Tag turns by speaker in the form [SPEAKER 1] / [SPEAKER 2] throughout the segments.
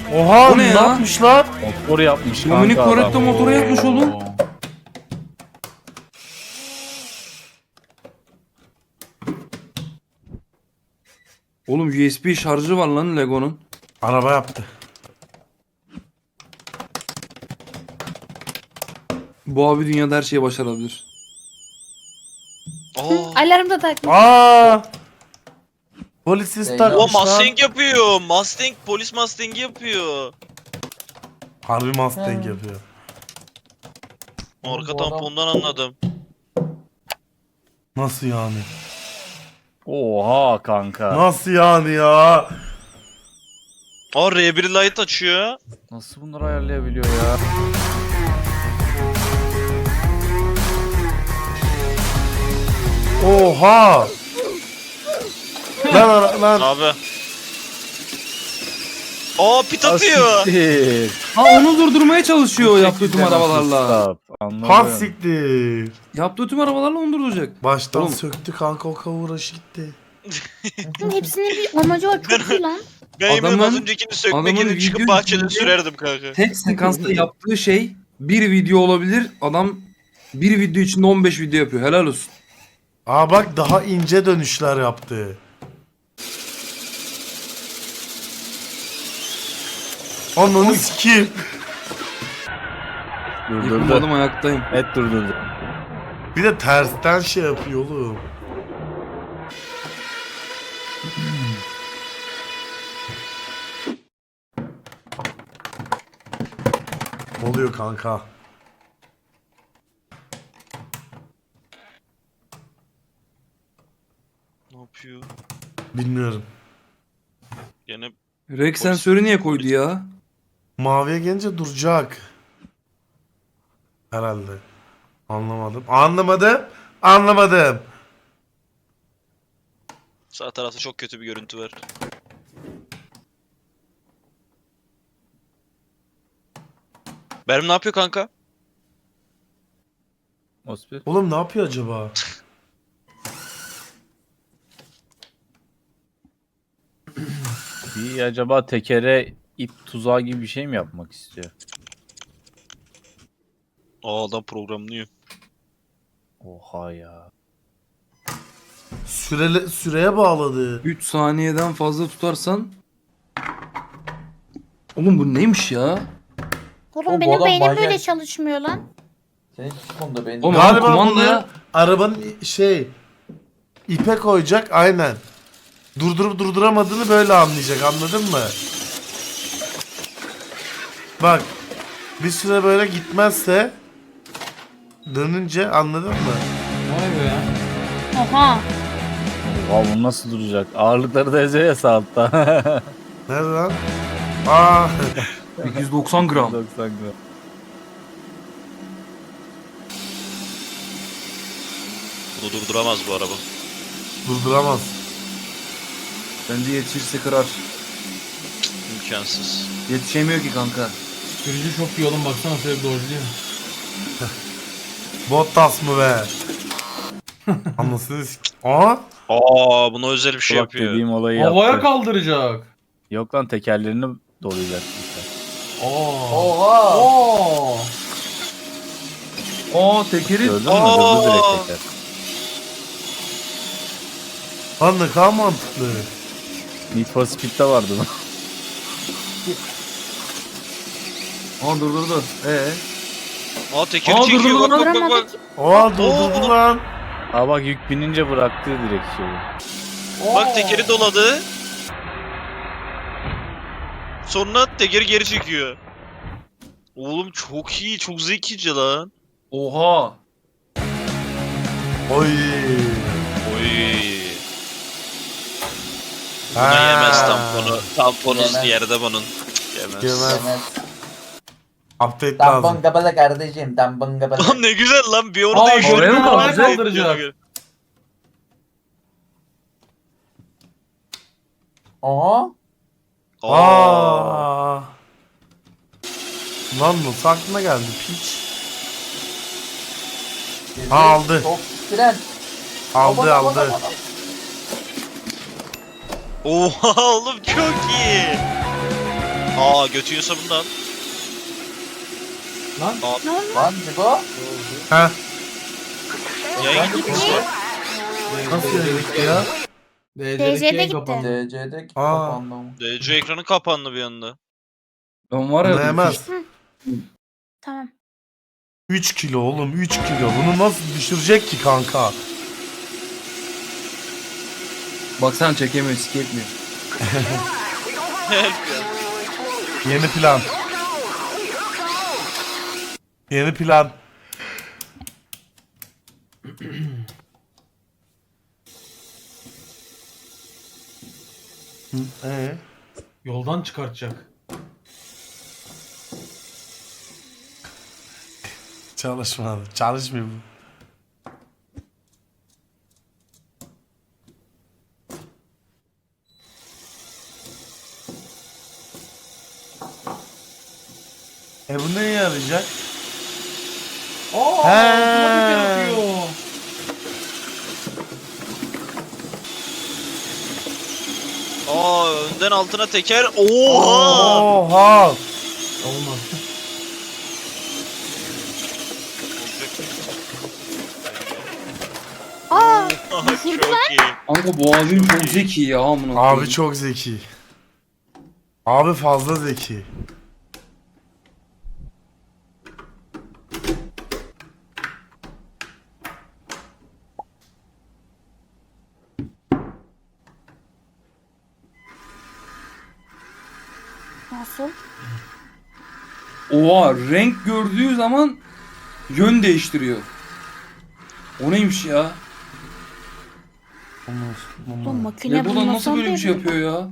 [SPEAKER 1] Oha
[SPEAKER 2] O ne
[SPEAKER 1] ne
[SPEAKER 2] ya?
[SPEAKER 1] yapmışlar?
[SPEAKER 3] Motor yapmış kanka
[SPEAKER 2] Dominic
[SPEAKER 3] adam.
[SPEAKER 2] Toretto motoru yapmış oğlum. Oğlum USB şarjı var lan Lego'nun.
[SPEAKER 1] Araba yaptı.
[SPEAKER 2] Bu abi dünyada her şeyi başarabilir.
[SPEAKER 4] Aa.
[SPEAKER 5] Alarm da takmış.
[SPEAKER 1] Aa! Polis ister.
[SPEAKER 4] O Mustang yapıyor. Mustang polis Mustang'i yapıyor.
[SPEAKER 1] Harbi Mustang yapıyor.
[SPEAKER 4] Arka tampondan anladım.
[SPEAKER 1] Nasıl yani?
[SPEAKER 3] Oha kanka.
[SPEAKER 1] Nasıl yani ya?
[SPEAKER 4] Aa R1 light açıyor.
[SPEAKER 3] Nasıl bunları ayarlayabiliyor ya?
[SPEAKER 1] Oha! Lan
[SPEAKER 4] Abi. Aa pit atıyor.
[SPEAKER 3] Asiktir.
[SPEAKER 2] Ha onu durdurmaya çalışıyor yaptığı tüm arabalarla.
[SPEAKER 3] Stop. Anladım.
[SPEAKER 1] pas siktir.
[SPEAKER 2] Yaptığı tüm arabalarla onu durduracak.
[SPEAKER 1] Baştan
[SPEAKER 2] Oğlum.
[SPEAKER 1] söktü kanka, o kavuruş gitti.
[SPEAKER 5] Hepsinin bir amacı var. Çok iyi lan.
[SPEAKER 4] Ben eminim
[SPEAKER 2] Adamın-
[SPEAKER 4] az öncekini sökmek
[SPEAKER 2] adamın
[SPEAKER 4] için çıkıp
[SPEAKER 2] video
[SPEAKER 4] bahçede
[SPEAKER 2] içinde-
[SPEAKER 4] sürerdim kanka.
[SPEAKER 2] Tek sekansta yaptığı şey bir video olabilir. Adam bir video içinde 15 video yapıyor. Helal olsun.
[SPEAKER 1] Aa bak, daha ince dönüşler yaptı. Ananı sikeyim.
[SPEAKER 3] Durdurdu.
[SPEAKER 2] Yıkılmadım ayaktayım.
[SPEAKER 3] Et durdurdu.
[SPEAKER 1] Bir de tersten şey yapıyor oğlum. Ne oluyor kanka?
[SPEAKER 4] Ne yapıyor?
[SPEAKER 1] Bilmiyorum.
[SPEAKER 4] Gene
[SPEAKER 2] Rex sensörü niye koydu ya?
[SPEAKER 1] Maviye gelince duracak. Herhalde. Anlamadım. Anlamadım.
[SPEAKER 4] sağ tarafta çok kötü bir görüntü var. Benim ne yapıyor kanka?
[SPEAKER 3] Ospi.
[SPEAKER 1] Oğlum ne yapıyor acaba?
[SPEAKER 3] Bir acaba tekere ip tuzağı gibi bir şey mi yapmak istiyor?
[SPEAKER 4] Aa adam programlıyor.
[SPEAKER 3] Oha ya.
[SPEAKER 1] Süreye bağladı.
[SPEAKER 2] 3 saniyeden fazla tutarsan. Oğlum bu neymiş ya?
[SPEAKER 5] Oğlum
[SPEAKER 6] Bu
[SPEAKER 5] benim
[SPEAKER 6] adam
[SPEAKER 5] beynim
[SPEAKER 6] manyak.
[SPEAKER 5] böyle çalışmıyor lan.
[SPEAKER 6] Senin hiç konuda benim.
[SPEAKER 2] Oğlum,
[SPEAKER 1] Galiba
[SPEAKER 2] kumandaya-
[SPEAKER 1] bunu arabanın ipe koyacak, aynen. Durdurup durduramadığını böyle anlayacak, anladın mı? Bak, bir süre böyle gitmezse dönünce, anladın mı?
[SPEAKER 6] Vay be ya.
[SPEAKER 5] Oha.
[SPEAKER 3] Oha bu nasıl duracak? Ağırlıkları da eziyor ya sağ altta.
[SPEAKER 1] Nerede lan? Aa,
[SPEAKER 2] 890 gram.
[SPEAKER 3] 90 gram.
[SPEAKER 4] Bunu durduramaz bu araba.
[SPEAKER 1] durduramaz.
[SPEAKER 2] Bence yetişirse kırar.
[SPEAKER 4] İmkansız.
[SPEAKER 2] Yetişemiyor ki kanka.
[SPEAKER 6] Sürücü çok iyi oğlum, baksana şöyle bir dojluyor.
[SPEAKER 1] Bottas mı be? Anlasını Aa,
[SPEAKER 4] Aa buna özel bir şey
[SPEAKER 3] Bak
[SPEAKER 4] yapıyor.
[SPEAKER 3] dediğim olayı
[SPEAKER 6] Havaya
[SPEAKER 3] yaptı.
[SPEAKER 6] kaldıracak.
[SPEAKER 3] Yok lan tekerlerini dolayacak işte.
[SPEAKER 6] Oha. Oo.
[SPEAKER 2] Aa tekeri.
[SPEAKER 3] Gördün mü?
[SPEAKER 4] Aa!
[SPEAKER 3] Durdu direkt teker.
[SPEAKER 1] lan ne kadar mantıklı.
[SPEAKER 3] Need for Speed'de vardı bu.
[SPEAKER 2] Aa durdurdu.
[SPEAKER 4] Aa tekeri
[SPEAKER 2] Aa,
[SPEAKER 4] çekiyor
[SPEAKER 2] durdu
[SPEAKER 4] bak
[SPEAKER 2] lan.
[SPEAKER 4] bak bak bak.
[SPEAKER 5] Duramadı ki.
[SPEAKER 1] Oha, durdurdu lan.
[SPEAKER 3] Aa bak yük binince bıraktı direkt şeyi.
[SPEAKER 4] Bak tekeri doladı. Sonra tekeri geri çekiyor. Oğlum çok iyi, çok zekice lan.
[SPEAKER 2] Oha.
[SPEAKER 1] Oy.
[SPEAKER 4] Oy.
[SPEAKER 1] Ha.
[SPEAKER 4] Buna yemez tamponu. Tamponu
[SPEAKER 6] Yemez.
[SPEAKER 4] yerde bunun. Yemez.
[SPEAKER 1] Yemez. Update
[SPEAKER 6] Tampon
[SPEAKER 1] lazım.
[SPEAKER 6] kapalı kardeşim. Tampon kapalı.
[SPEAKER 4] Lan ne güzel lan bir onu
[SPEAKER 6] Aa,
[SPEAKER 4] değiştirdim.
[SPEAKER 2] oraya mı
[SPEAKER 6] havaya
[SPEAKER 2] kaldıracak?
[SPEAKER 6] kaldıracak. Oha.
[SPEAKER 4] Aa.
[SPEAKER 1] Aa. Lan nasıl aklına geldi piç? Aldı.
[SPEAKER 6] Çok fren.
[SPEAKER 1] Aldı
[SPEAKER 6] Aman,
[SPEAKER 1] aldı.
[SPEAKER 6] aman, aman.
[SPEAKER 4] Oha oğlum çok iyi. Aa götü yiyorsa bunu da al.
[SPEAKER 6] Lan
[SPEAKER 5] Ne oldu?
[SPEAKER 6] lan Cibo.
[SPEAKER 1] Ha?
[SPEAKER 4] Yayın gitti.
[SPEAKER 1] Nasıl yedik ya?
[SPEAKER 5] DC'de gitti.
[SPEAKER 6] DC'de
[SPEAKER 1] Aa.
[SPEAKER 6] kapandı ama.
[SPEAKER 4] DC ekranı kapandı bir anda.
[SPEAKER 2] Ben var ya.
[SPEAKER 1] Anlayamaz.
[SPEAKER 5] Tamam.
[SPEAKER 1] 3 kilo oğlum 3 kilo. Bunu nasıl düşürecek ki kanka?
[SPEAKER 2] Bak sen çekemiyor, siketmiyor.
[SPEAKER 4] Help ya.
[SPEAKER 1] Yeni plan. Yeni plan.
[SPEAKER 7] Yoldan çıkartacak.
[SPEAKER 1] Çalışmadı. Çalışmıyor bu. Bu neye yarayacak?
[SPEAKER 7] Aa,
[SPEAKER 1] He.
[SPEAKER 7] otomatik yaratıyor.
[SPEAKER 4] Aa önden altına teker. Oha!
[SPEAKER 1] Oha!
[SPEAKER 7] Olmaz.
[SPEAKER 5] Aa,
[SPEAKER 4] Çok iyi.
[SPEAKER 2] Kanka bu abim çok zeki ya amına
[SPEAKER 1] Abi
[SPEAKER 2] koyayım.
[SPEAKER 1] çok zeki. Abi fazla zeki.
[SPEAKER 5] nasıl?
[SPEAKER 2] Oha renk gördüğü zaman yön değiştiriyor. O neymiş ya?
[SPEAKER 5] Bu makine
[SPEAKER 2] Legoland nasıl
[SPEAKER 5] bulmasam
[SPEAKER 2] böyle bir şey
[SPEAKER 5] değil.
[SPEAKER 2] yapıyor ya?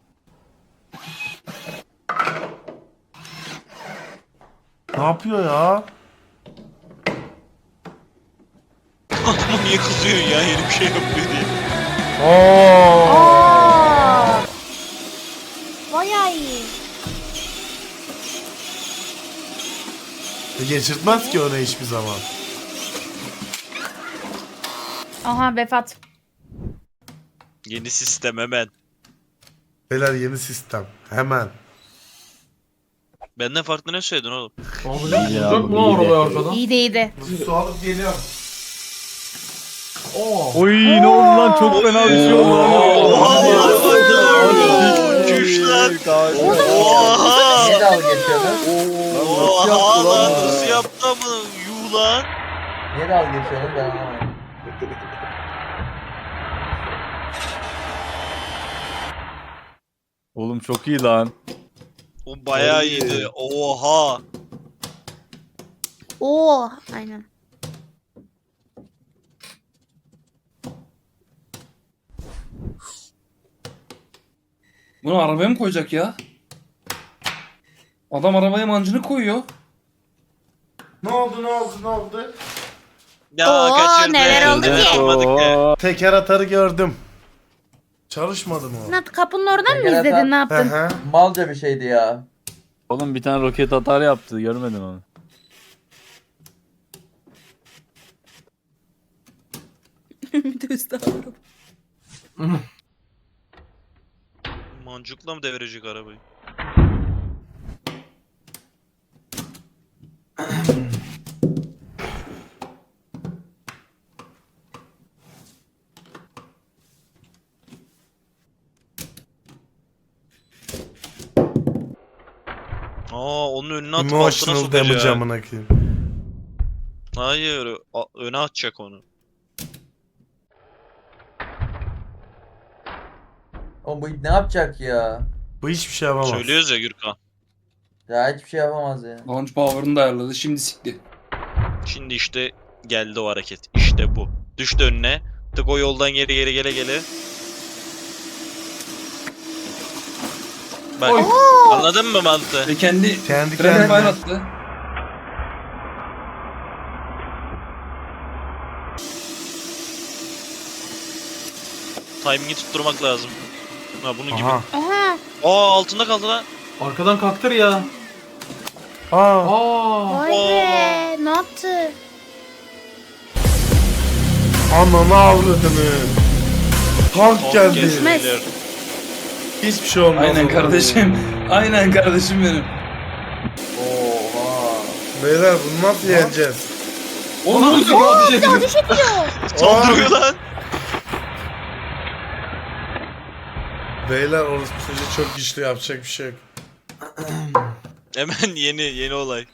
[SPEAKER 1] Ne yapıyor ya?
[SPEAKER 4] Adama niye kızıyorsun ya yeni bir şey yapıyor diye.
[SPEAKER 1] Oo!
[SPEAKER 5] Aa! Bayağı iyi.
[SPEAKER 1] Geçirtmez ki öyle hiçbir zaman.
[SPEAKER 5] Aha vefat.
[SPEAKER 4] Yeni sistem hemen.
[SPEAKER 1] Beyler yeni sistem. Hemen.
[SPEAKER 4] Benden farklı ne söyledin oğlum?
[SPEAKER 7] Abi
[SPEAKER 3] Ya,
[SPEAKER 7] ne olacak mı
[SPEAKER 3] bu iyi de.
[SPEAKER 7] arabaya arkadan?
[SPEAKER 5] İyi de iyiydi.
[SPEAKER 1] Su alıp geliyorum.
[SPEAKER 7] Oo.
[SPEAKER 3] Oy ne oldu lan çok fena bir şey oldu.
[SPEAKER 4] Çüş lan.
[SPEAKER 6] Niye
[SPEAKER 4] Oha!
[SPEAKER 6] dalga geçiyorsunuz?
[SPEAKER 4] Oha lan nasıl yaptı bunu? Yuh lan.
[SPEAKER 6] Niye dalga geçiyorsunuz ben anlamadım.
[SPEAKER 3] Oğlum çok iyi lan.
[SPEAKER 4] O bayağı iyiydi. Oha.
[SPEAKER 5] Oo, aynen.
[SPEAKER 2] Bunu arabaya mı koyacak ya? Adam arabaya mancını koyuyor.
[SPEAKER 1] Ne oldu ne oldu ne oldu?
[SPEAKER 4] Ya
[SPEAKER 5] Oo,
[SPEAKER 4] kaçırdı.
[SPEAKER 5] neler oldu ki?
[SPEAKER 4] Yapamadık ya.
[SPEAKER 3] Oo.
[SPEAKER 1] Teker atarı gördüm. Çalışmadı mı o?
[SPEAKER 5] Ne, kapının oradan mı
[SPEAKER 6] Teker
[SPEAKER 5] izledin
[SPEAKER 6] atan-
[SPEAKER 5] ne
[SPEAKER 1] Hı
[SPEAKER 5] yaptın?
[SPEAKER 1] hı.
[SPEAKER 6] Malca bir şeydi ya.
[SPEAKER 3] Oğlum bir tane roket atar yaptı görmedin onu.
[SPEAKER 4] Mancukla mı devirecek arabayı? Aa onun önüne atıp altına
[SPEAKER 1] Emotional damage
[SPEAKER 4] sokacak.
[SPEAKER 1] amına koyayım.
[SPEAKER 4] Hayır öne atacak onu.
[SPEAKER 6] O bu ne yapacak ya?
[SPEAKER 1] Bu hiçbir şey yapamaz.
[SPEAKER 4] Söylüyoruz ya Gürkan.
[SPEAKER 6] Ya hiçbir şey yapamaz ya.
[SPEAKER 2] Launch power'ını da ayarladı. Şimdi sikti.
[SPEAKER 4] Şimdi işte geldi o hareket. İşte bu. Düştü önüne. Tık o yoldan geri gele gele. Bak anladın mı mantığı?
[SPEAKER 2] Ve kendi
[SPEAKER 1] Kendi
[SPEAKER 2] fren
[SPEAKER 1] kendine.
[SPEAKER 2] fire attı.
[SPEAKER 4] Timing'i tutturmak lazım. Ha bunun gibi.
[SPEAKER 1] Aha.
[SPEAKER 5] Aha.
[SPEAKER 4] Aa altında kaldı lan.
[SPEAKER 7] Arkadan kalktır ya.
[SPEAKER 1] Aa.
[SPEAKER 7] Aa.
[SPEAKER 5] Vay be. Ne yaptı?
[SPEAKER 1] Ananı avradını. Tank geldi.
[SPEAKER 4] Geçmez.
[SPEAKER 1] Hiçbir şey olmaz.
[SPEAKER 2] Aynen
[SPEAKER 1] ona.
[SPEAKER 2] kardeşim. Aynen kardeşim benim.
[SPEAKER 6] Oha.
[SPEAKER 1] Beyler bunu nasıl yeneceğiz?
[SPEAKER 2] Oğlum ne oluyor?
[SPEAKER 7] Oha, ateş ediyor.
[SPEAKER 5] Ateş ediyor.
[SPEAKER 4] Saldırıyor lan.
[SPEAKER 1] Beyler orası çocuğu çok güçlü, yapacak bir şey yok.
[SPEAKER 4] Hemen yeni olay.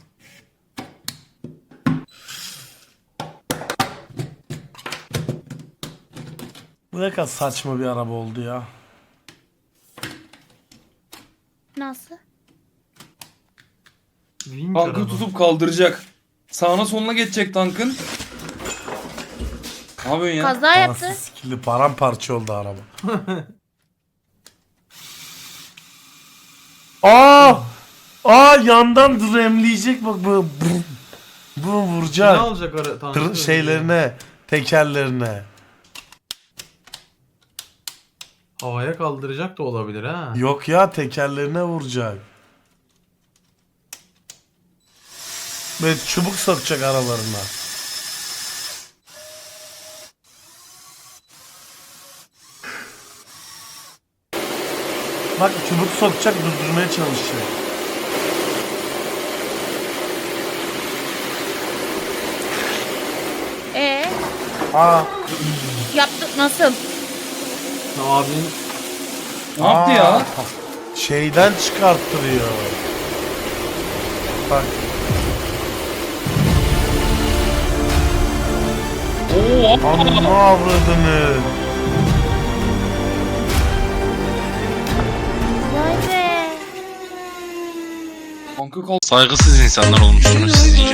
[SPEAKER 1] Bu ne kadar saçma bir araba oldu ya.
[SPEAKER 5] Nasıl?
[SPEAKER 7] Vinç
[SPEAKER 2] Tankı
[SPEAKER 7] araba.
[SPEAKER 2] tutup kaldıracak. Sağına soluna geçecek tankın. Ne yapıyorsun ya?
[SPEAKER 5] Kaza yaptı.
[SPEAKER 1] Anasını sikili paramparça oldu araba. Yandan dremleyecek bak bu. Bu
[SPEAKER 7] Ne
[SPEAKER 1] vuracak.
[SPEAKER 7] alacak ara tankı?
[SPEAKER 1] Şeylerine, tekerlerine.
[SPEAKER 7] Havaya kaldıracak da olabilir ha.
[SPEAKER 1] Yok ya, tekerlerine vuracak. Böyle çubuk sokacak aralarına. Bak çubuk sokacak, durdurmaya çalışacak. Aa,
[SPEAKER 5] Yaptık nasıl?
[SPEAKER 7] Abinin
[SPEAKER 2] Ne yaptı ya?
[SPEAKER 1] şeyden çıkarttırıyor. Bak.
[SPEAKER 2] Oo,
[SPEAKER 1] Amma avradını.
[SPEAKER 5] Vay be.
[SPEAKER 2] tankı kaldı.
[SPEAKER 8] Saygısız insanlar olmuşsunuz siz iyice.